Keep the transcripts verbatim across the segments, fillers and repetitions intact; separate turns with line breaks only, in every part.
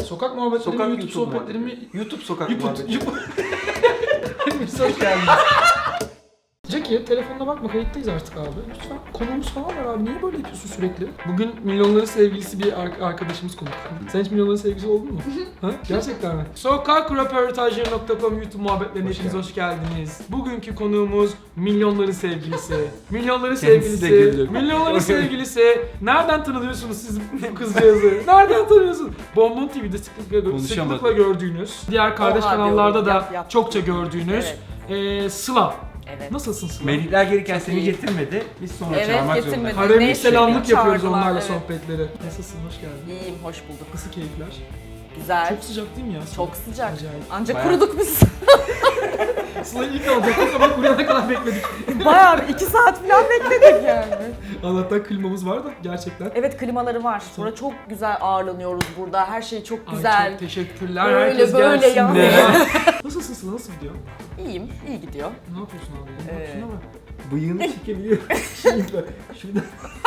Sokak muhabbetleri
Sokak
mi, YouTube,
YouTube
sohbetleri mi?
muhabbeti. YouTube sokak
YouTube,
muhabbeti.
YouTube. Hepimiz hoş geldiniz. Jackie, telefonuna bakma, kayıttayız artık abi. Lütfen, konuğumuz falan var abi. Niye böyle yapıyorsun sürekli? Bugün milyonların sevgilisi bir ar- arkadaşımız konuk. Sen hiç milyonların sevgilisi oldun mu? Ha? Gerçekten mi? sokak röportajları nokta com YouTube muhabbetlerine hepiniz hoş geldiniz. Bugünkü konuğumuz milyonların sevgilisi. Milyonların
Kendisi de
sevgilisi.
güldü.
Milyonların sevgilisi. Nereden tanıyorsunuz siz bu kızcağızı? Nereden tanıyorsunuz? Bonbon T V'de sıklıkla,
Konuşamadım.
sıklıkla gördüğünüz, diğer kardeş
Oha
kanallarda
diyorum,
da
yap, yap.
çokça gördüğünüz
Evet.
ee, Sıla.
Evet.
Nasılsın Sıla?
Melihler gelirken seni
iyi.
getirmedi. Biz sonra
Evet,
çağırmak
getirmedi.
zorunda.
Haremlik
Ne
selamlık
şey,
yapıyoruz
çağırdılar,
onlarla
evet.
sohbetleri. Nasılsın? Hoş geldin.
İyiyim, hoş bulduk.
Nasıl keyifler?
Güzel.
Çok sıcak değil mi ya?
Çok sıcak.
Acayip.
Ancak
Bayağı-
kuruduk biz.
Sıla'yı ilk alacaktık ama kuruyana kadar bekledik.
Bayağı bir iki saat falan bekledik yani.
Allah'tan klimamız var da gerçekten.
Evet, klimaları var. Sonra çok güzel ağırlanıyoruz burada. Her şey çok
Ay,
güzel.
çok teşekkürler.
Böyle
Herkes
böyle
gelsin
yani.
de. Nasılsın Sıla? Nasıl gidiyor?
İyiyim, iyi gidiyor.
Ne yapıyorsun abi?
Ee,
Şuna bak.
Bıyığını çekebiliyor.
Şurada. Şurada.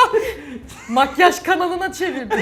Makyaj kanalına çevirdik.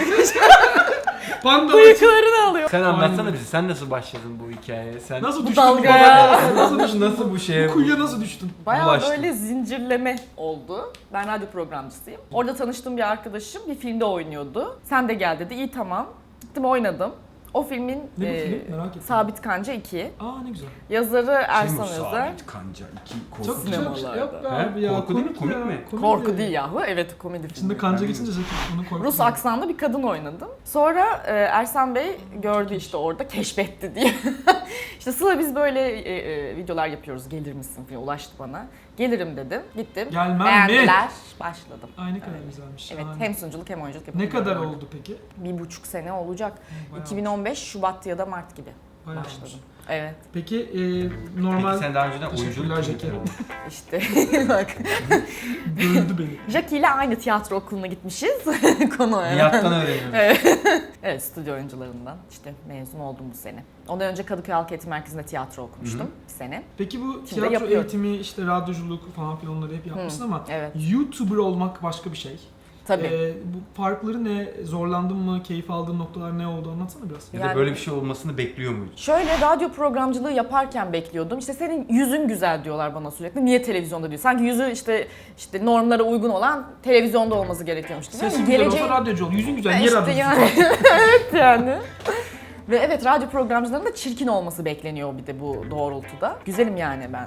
Panda.
Bıyıklarını alıyor.
Sen anlatsana
Aynen.
bize. Sen nasıl başladın bu hikayeye? Sen
Nasıl
Bu
düştün
dalgaya.
bu kadar? Nasıl düştün?
nasıl bu şeye?
Bu kuyuya nasıl düştün?
Bayağı
Bulaştım.
böyle zincirleme oldu. Ben radyo programcısıyım. Orada tanıştığım bir arkadaşım bir filmde oynuyordu. Sen de gel dedi. İyi, tamam. Gittim, oynadım. O filmin
Ne bu
e,
film? Merak ettim.
Sabit Kanca iki.
Aa ne güzel.
Yazarı Ersan
Şey mi,
Özer.
Sabit Kanca iki korku.
Çok güzel bir şey.
Sinemalarda.
Yok be
He?
abi ya.
Korku değil mi? Komik
ya.
mi?
Komedi.
Korku değil yahu. Evet, komedi filmi.
İçinde kanca geçince Jackie onu korktu.
Rus aksanlı bir kadın oynadım. Sonra e, Ersan Bey gördü işte orada, keşfetti diye. İşte Sıla, biz böyle e, e, videolar yapıyoruz, gelir misin diye ulaştı bana. Gelirim dedim. Gittim.
Gelmem mi?
Beğendiler. Başladım.
Ay ne kadar
Evet.
güzelmiş.
Evet,
şahane.
hem sunuculuk hem oyunculuk
Ne
yapıyorum.
kadar oldu peki?
Bir buçuk sene olacak.
Bayağı
iki bin on beş Şubat ya da Mart gibi
Bayağı
başladım.
olmuş.
Evet,
Peki e, normal...
Peki sen daha önceden
Teşekkürler
oyunculuk
Jackie.
yapıyordun.
işte bak.
Böldü beni.
Jackie ile aynı tiyatro okuluna gitmişiz. Konu o.
Nihat'tan öğreniyorsun.
Evet. Evet, stüdyo oyuncularından işte mezun oldum bu sene. Ondan önce Kadıköy Halk Eğitim Merkezi'nde tiyatro okumuştum
Hı hı.
bir sene.
Peki bu
Şimdi
tiyatro
yapıyorum.
eğitimi, işte radyoculuk falan filan onları hep yapmışsın ama
Evet.
YouTuber olmak başka bir şey.
Tabii.
Ee, bu farkları ne? Zorlandın mı? Keyif aldığın noktalar ne oldu? Anlatsana biraz.
Ya da
Yani-
böyle bir şey olmasını bekliyor muydun?
Şöyle, radyo programcılığı yaparken bekliyordum. İşte senin yüzün güzel diyorlar bana sürekli. Niye televizyonda diyor? Sanki yüzü işte işte normlara uygun olan televizyonda olması gerekiyormuş. Değil mi?
Sesin güzel
Geleceğin-
olsa radyocu ol. Yüzün güzel. Niye
İşte
radyocu?
yani. Evet yani. Ve evet, radyo programcılarının da çirkin olması bekleniyor bir de bu doğrultuda. Güzelim yani ben.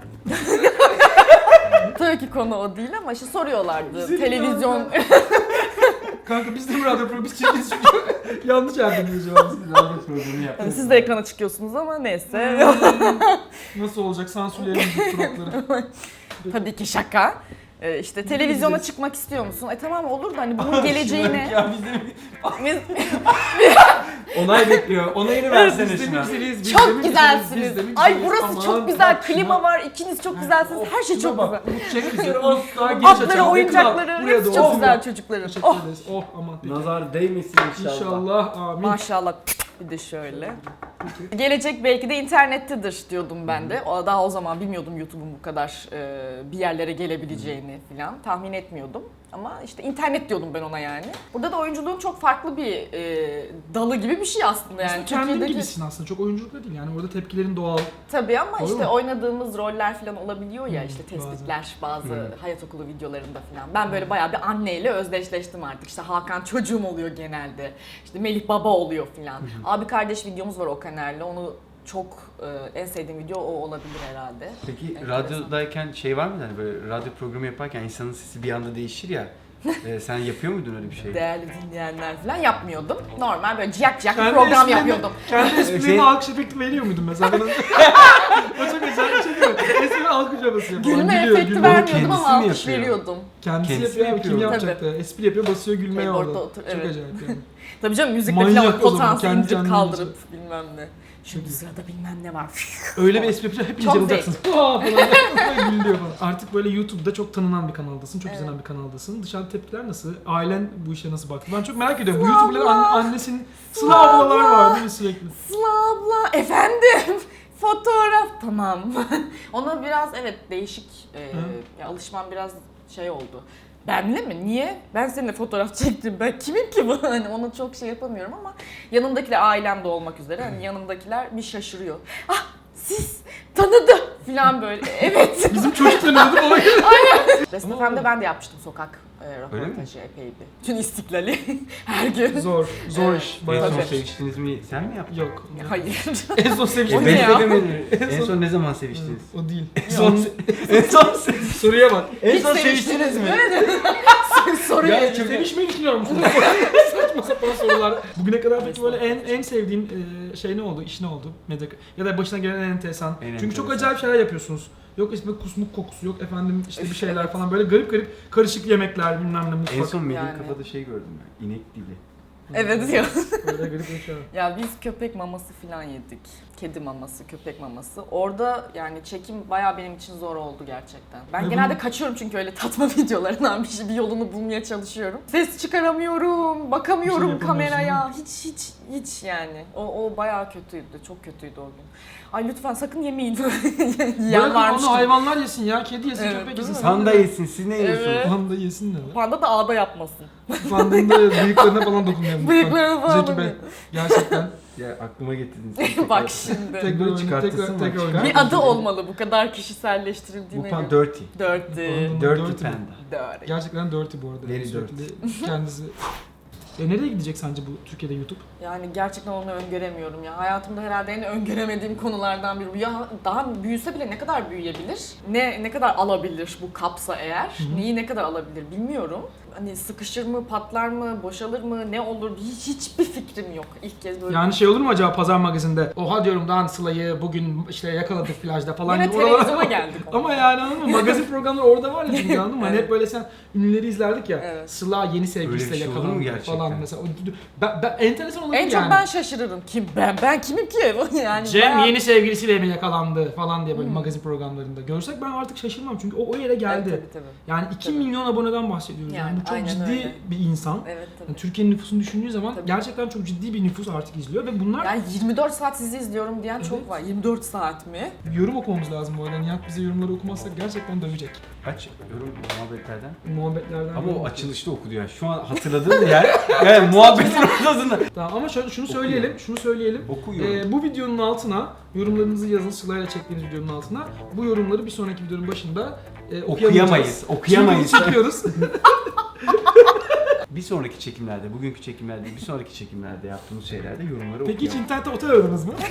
Tabii ki konu o değil ama işte soruyorlardı.
Güzelim
Televizyon...
yani Kanka biz de bu radyo programı biz çekiyoruz. Yanlış yardımcıyız şu an.
Radyo programı yaptın.
Yani siz de ekrana çıkıyorsunuz ama neyse.
Nasıl olacak? Sansürleyelim bu suratları.
Tabii ki şaka. Ee, işte televizyona çıkmak istiyor musun? E tamam, olur da hani bunun geleceğine...
Ya biz de
Biz-
onay bekliyor. Onayını versene
Biz de
şuna.
mi güzeliyiz? Biz de
Çok
mi güzeliz?
güzelsiniz.
Biz de mi
Ay
güzeliz?
burası
Aman,
çok güzel.
bak
Klima
şuna.
var. İkiniz çok güzelsiniz. Her şey
Şuna
çok
bak,
güzel.
bu çek bizi.
Asla
Daha geniş
Atları,
açalım.
oyuncakları
Yakın al. Buraya
hepsi
doğru.
çok güzel çocukların.
Teşekkür
Oh,
ederiz. Oh aman peki.
Nazar değmesin inşallah.
İnşallah. Amin.
maşallah. Bir de şöyle.
Peki.
Gelecek belki de internettedir diyordum ben de. O daha o zaman bilmiyordum YouTube'un bu kadar e, bir yerlere gelebileceğini falan tahmin etmiyordum. Ama işte internet diyordum ben ona yani. Burada da oyunculuğun çok farklı bir e, dalı gibi bir şey aslında yani.
Aslında kendin
Türkiye'deki-
gibisin aslında. Çok oyunculuk da değil. Yani orada tepkilerin doğal.
Tabii ama
Doğru
işte
mu?
oynadığımız roller falan olabiliyor ya,
Hmm,
işte
bazen.
tespitler bazı
Hmm.
hayat okulu videolarında falan. Ben böyle bayağı bir anneyle özdeşleştim artık. İşte Hakan çocuğum oluyor genelde. İşte Melih baba oluyor falan. Abi kardeş videomuz var o kanalde. Onu çok e, en sevdiğim video o olabilir herhalde.
Peki
Enteresan.
radyodayken şey var mıydı hani böyle radyo programı yaparken insanın sesi bir anda değişir ya. e, sen yapıyor muydun öyle bir şey?
Değerli dinleyenler falan yapmıyordum. Normal böyle ciyak ciyak bir
Kendi
program
esprilerini-
yapıyordum.
Kendi esprilerine
Şey-
alkış efekti veriyor muydun mesela? Bana... o çok güzel bir şey değil mi? Espri alkış yapası yapıyor.
Gülme
Gülüyor,
efekti
gülüyor.
vermiyordum
kendisi
ama
mi
alkış
yapıyor?
veriyordum.
Kendisi,
Kendisi
yapıyor ama kim
yapıyor.
yapacaktı? Espri yapıyor, basıyor gülmeye
Keyboard'da
orada.
otur-
Çok
evet.
acayip yani.
Tabii canım, müzikle
Manyak
falan
o zaman,
potansiyel
kendi
müzik
kendine
kaldırıp bilmem ne. Şimdi
Çok iyi.
sırada bilmem ne var.
Öyle bir espri yapacak, hep
Çok
inceleyacaksın. Aa falan gülüyor falan. Artık böyle YouTube'da çok tanınan bir kanaldasın, çok
Evet.
izlenen bir kanaldasın. Dışarıda tepkiler nasıl? Ailen bu işe nasıl baktı? Ben çok merak ediyorum. YouTube'ların an- annesinin Sıla ablalar var değil mi sürekli?
Sıla abla, efendim, fotoğraf, tamam. Ona biraz evet değişik, e,
Hı.
ya alışmam biraz şey oldu. benle mi? Niye? Ben seninle fotoğraf çektim. Ben kimim ki bu? Hani ona çok şey yapamıyorum ama yanımdakiler ailem de olmak üzere. Hani yanımdakiler bir şaşırıyor. Ah siz tanıdı falan böyle. Evet.
Bizim çocuklarımız da bana
Best F M'de ben de yapmıştım sokak e, röportajı epeydi. Tüm İstiklal'i her gün.
Zor, zor
Evet.
iş.
En
Bayağı
son
Tabii.
zor.
seviştiniz mi? Sen mi yaptın?
Yok.
Hayır.
En son
O
seviştiğim.
ne ya?
Beslemedin. En son ne zaman seviştiniz?
O değil.
En son en son
Soruya bak.
en
Hiç
son
seviştiniz
seviştiniz mi?
Soruyu
Ya
çok
sevişmeyi düşünüyor musun? Saçma sapan sorular. Bugüne kadar peki böyle en en sevdiğin e, şey ne oldu? İş ne oldu? Medya ya da başına gelen en enteresan.
En
Çünkü çok
enteresan.
acayip şeyler yapıyorsunuz. Yok işte kusmuk kokusu, yok efendim işte bir şeyler falan böyle garip garip karışık yemekler bilmem ne mutfak.
En son Melih
Yani.
kafada şey gördüm ben. İnek dili.
Evet ya.
Böyle garip bir şey.
Ya biz köpek maması falan yedik. Kedi maması, köpek maması. Orada yani çekim bayağı benim için zor oldu gerçekten. Ben
Ve
genelde
bunu-
kaçıyorum çünkü öyle tatma videolarından bir, şey, bir yolunu bulmaya çalışıyorum. Ses çıkaramıyorum, bakamıyorum
Bir şey yapamıyorsun,
kameraya. Hiç hiç hiç yani. O, o bayağı kötüydü, çok kötüydü o gün. Ay lütfen sakın yemeyin. Yiyen
Bırakın
varmış
onu
gibi.
hayvanlar yesin ya, kedi yesin,
Evet,
köpek
değil
yesin.
mi?
Panda yesin, siz ne yiyorsunuz?
Evet.
Panda yesin ne lan?
Panda da ağda yapmasın.
Panda'nın da bıyıklarına falan dokunmayalım.
Bıyıklarına falan
Zeki Bey,
dokunmayalım.
gerçekten.
Ya aklıma getirdiniz.
Bak şimdi.
Tekrar
Bunu
oyna,
çıkartırsın
tekrar,
mı?
tekrar
Çıkar.
oyna.
Bir adı olmalı bu kadar
Bu
kişiselleştirildiğine
pan
göre.
dirty.
Dirty.
Panda'nın
Dirty
dirty mi?
panda.
Dirty.
Gerçekten dirty bu arada.
Very
Sürekli kendisi. E nereye gidecek sence bu Türkiye'de YouTube?
Yani gerçekten onu öngöremiyorum ya. Hayatımda herhalde en öngöremediğim konulardan biri bu. Ya daha büyüse bile ne kadar büyüyebilir? Ne ne kadar alabilir bu kapsa eğer?
hı.
Neyi ne kadar alabilir bilmiyorum. Hani sıkışır mı, patlar mı, boşalır mı, ne olur hiç hiçbir fikrim yok. İlk kez böyle.
Yani şey olur mu acaba Pazar Magazin'de? Oha diyorum Dan Sıla'yı bugün işte yakaladık plajda falan
Yine
gibi oralara-
televizyona geldik.
Ama yani anladın mı? Magazin programları orada var ya çünkü anladın mı? Hani
Evet.
hep böyle sen ünlüleri izlerdik ya.
Evet.
Sıla yeni
Öyle
sevgilisiyle
bir şey olur mu
yakalandı
gerçekten?
falan mesela. O- Ben, ben, enteresan olur
En
yani.
çok ben şaşırırım. Kim ben? Ben kimim ki? Yani
Cem
bayağı-
yeni sevgilisiyle mi yakalandı falan diye böyle magazin programlarında. Görsek ben artık şaşırmam çünkü o o yere geldi.
Evet, tabii, tabii.
Yani iki
Tabii.
milyon aboneden bahsediyoruz. Yani,
Yani
bu çok
aynen
ciddi
öyle.
bir insan.
Evet tabii.
Yani Türkiye'nin nüfusunu düşündüğü zaman
Tabii.
gerçekten çok ciddi bir nüfus artık izliyor ve bunlar
Yani yirmi dört saat sizi izliyorum diyen
Evet.
çok var. yirmi dört saat mi?
yorum okumamız lazım bu arada. Nihat bize yorumları okumazsak gerçekten dövecek.
Kaç yorum muhabbetlerden?
Muhabbetlerden.
Ama
yorum
o açılışta okudu ya. Şu an hatırladığım yer yani muhabbetin ortasında.
Tamam ama şöyle şunu söyleyelim, şunu söyleyelim.
Okuyorum.
Ee, bu videonun altına yorumlarınızı yazın Sıla'yla çektiğiniz videonun altına. Bu yorumları bir sonraki videonun başında e,
Okuyamayız. Okuyamayız.
Şimdi çekiyoruz.
Bir sonraki çekimlerde, bugünkü çekimlerde, bir sonraki çekimlerde yaptığımız şeylerde yorumları
Peki hiç
okuyalım.
internette otel aradınız mı?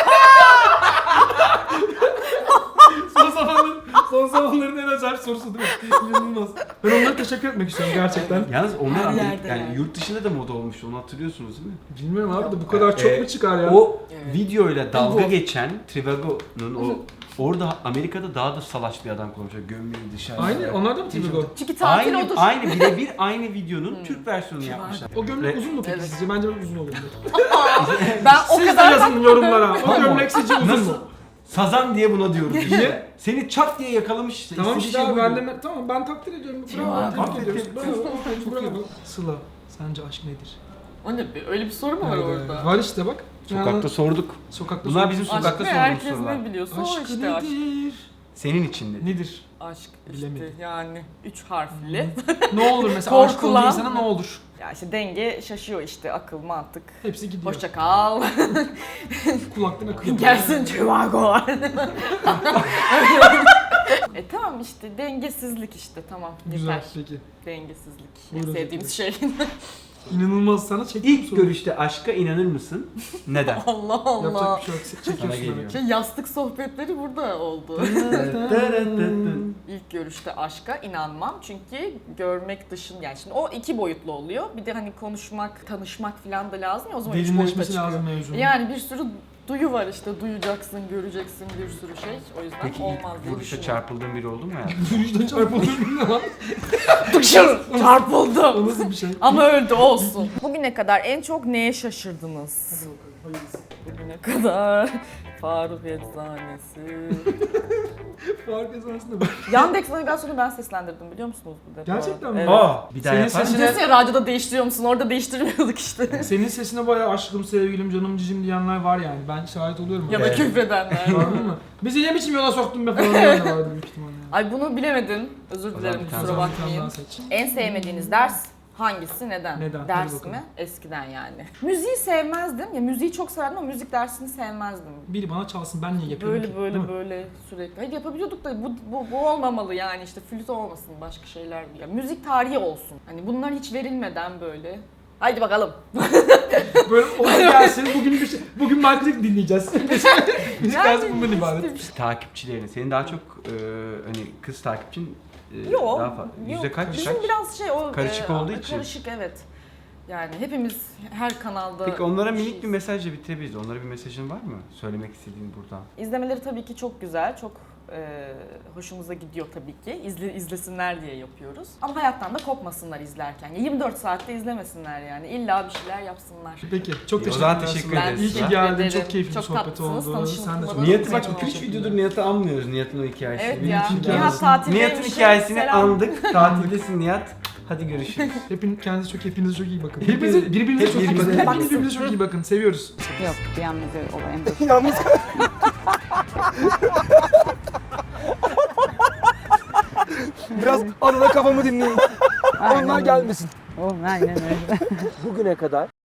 son zamanların, son zamanların en acayip sorusu değil mi? İnanılmaz. Ben onlara teşekkür etmek istiyorum gerçekten.
Yalnız onlar
Her
Amerika-
yerde
yani
yani.
yurt dışında da moda olmuştu. Onu hatırlıyorsunuz değil mi?
Bilmiyorum abi de bu kadar çok
Ee,
mu çıkar ya?
O
Evet.
videoyla dalga
Bu-
geçen Trivago'nun o orada Amerika'da daha da salaş bir adam konuşuyor. Gömleği dışarı.
Aynı, onlar da mı Trivago?
Çünkü tatil
Aynı,
odur.
aynı birebir aynı videonun Türk versiyonunu yapmışlar.
O gömlek
Ve-
uzun mu peki
Evet.
sizce? Bence uzun olur.
Ben o
Siz de
kadar
yazın yorumlara. O
Tamam.
gömlek sizce uzun
Nasıl?
mu?
Sazan diye buna diyoruz
Niye?
işte. Seni çat diye yakalamış işte.
Tamam
İstediği
işte
şey
abi
buydu.
ben de tamam ben takdir ediyorum. Bravo,
Bravo,
tebrik
aferin.
ediyoruz. Bravo,
Çok
bravo.
iyi.
Sıla, sence aşk nedir?
O ne be? Öyle bir soru mu var
Evet,
orada?
Var işte bak.
Sokakta
Yani,
sorduk.
sokakta
Bunlar
sor-
bizim
Aşk
sokakta
ne?
sorduğumuz
Herkes
sorular.
ne biliyorsa
Aşk
o işte aşk.
nedir?
Senin için de.
Nedir?
Aşk işte
Bilemedim.
yani üç harfli.
Ne olur mesela aşık
Korkulan.
olduğu insana ne olur?
Ya işte denge şaşıyor işte akıl mantık.
Hepsi gidiyor.
Hoşça kal.
Kulaktan akıyor.
Gelsin Trivago. E tamam işte dengesizlik işte tamam
Güzel
yeter.
peki.
Dengesizlik.
Buyurun
En sevdiğimiz şey.
İnanılmaz sana çektim
İlk görüşte aşka inanır mısın? Neden?
Allah Allah.
Yapacak bir şey yok.
Sana
Çekiyorsun
geliyor.
demek.
Şey yastık sohbetleri burada oldu. İlk görüşte aşka inanmam çünkü görmek dışın yani şimdi o iki boyutlu oluyor. Bir de hani konuşmak, tanışmak falan da lazım ya o zaman üç boyuta
Derinleşmesi
çıkıyor.
lazım mevzunun.
Yani bir sürü duyu var işte duyacaksın, göreceksin bir sürü şey. O yüzden
Peki
olmaz
ilk
diye
vuruşa
düşünüyorum.
çarpıldığın biri oldu mu ya?
Yürüyüşten çarpıldı ne lan?
Tıkşır! Çarpıldı.
O nasıl bir şey?
Ama öldü olsun. Bugüne kadar en çok neye şaşırdınız?
Hadi bakalım, hayırlısı.
Bugüne kadar Faruk Eczanesi.
Fark esasında bak.
Yandex navigasyonu ben seslendirdim biliyor musunuz bu defa?
Gerçekten mi?
Evet.
Aa, bir daha
Senin
yapar
sesin-
mısın?
Diyorsun ya radyoda değiştiriyor musun? Orada değiştirmiyorduk işte.
Senin sesine bayağı aşkım, sevgilim, canım, cicim diyenler var yani. Ben şahit oluyorum.
Ya da
Evet.
küfredenler.
Anladın mı? Bizi ne biçim yola soktun be falan diyenler vardı büyük ihtimalle.
Ay bunu bilemedin. Özür
O zaman
dilerim
bir tane
kusura
Sonra bir tane
bakmayın.
daha seç.
En sevmediğiniz ders hangisi? Neden?
Neden? Hadi
Ders
bakalım.
mi? Eskiden yani. Müziği sevmezdim. Ya müziği çok severdim ama müzik dersini sevmezdim.
Biri bana çalsın ben niye yapıyorum
Böyle
ki?
böyle
Değil mi?
böyle sürekli. Hayır yapabiliyorduk da bu, bu, bu olmamalı yani işte flüt olmasın başka şeyler. Ya müzik tarihi olsun. Hani bunlar hiç verilmeden böyle. Haydi bakalım.
Böyle olay gelsin bugün bir şey, bugün Michael'ı dinleyeceğiz. Müzik
Yani
dersi bundan ibaret.
işte-
Takipçilerini, senin daha çok e, hani kız takipçin e,
Yok.
daha fazla. Yüzde
yok.
kaç?
Bizim
kaç?
biraz şey o
Karışık
e,
olduğu için.
Karışık evet. Yani hepimiz her kanalda
Peki onlara minik
şeyiz.
bir mesajla bitirebiliriz. Onlara bir mesajın var mı? Söylemek istediğin buradan.
İzlemeleri tabii ki çok güzel, çok e, hoşumuza gidiyor tabii ki. İzle, izlesinler diye yapıyoruz. Ama hayattan da kopmasınlar izlerken. yirmi dört saatte izlemesinler yani. İlla bir şeyler yapsınlar.
Peki çok
O
teşekkür
zaman
ederim.
teşekkür
Ben
ederiz.
İyi ki
teşekkür
geldin.
ederim.
Çok keyifli bir
Çok
sohbet
tatlısınız,
oldu.
tanıştığımız
Sen de çok
için
Nihat'ı
çok
bak
memnun
iki üç
oldum.
videodur Nihat'ı anmıyoruz. Nihat'ın o hikayesi.
Evet
Benim
ya.
için
hikayesi.
Nihat
gelsin.
tatildeymiş.
Nihat'ın hikayesini
Selam.
andık. Tatildesin Nihat. Hadi görüşürüz.
Hepin, kendinize çok hepinize çok iyi bakın.
Hepiniz-
Hepinize, birbirinize
hep
çok iyi bakın.
birbirinize
Hepiniz birbirinize çok iyi bakın. Seviyoruz.
Yok yalnız olayım dur.
Yalnız biraz arada kafamı dinleyin. Onlar gelmesin.
Oh aynen öyle.
Bugüne kadar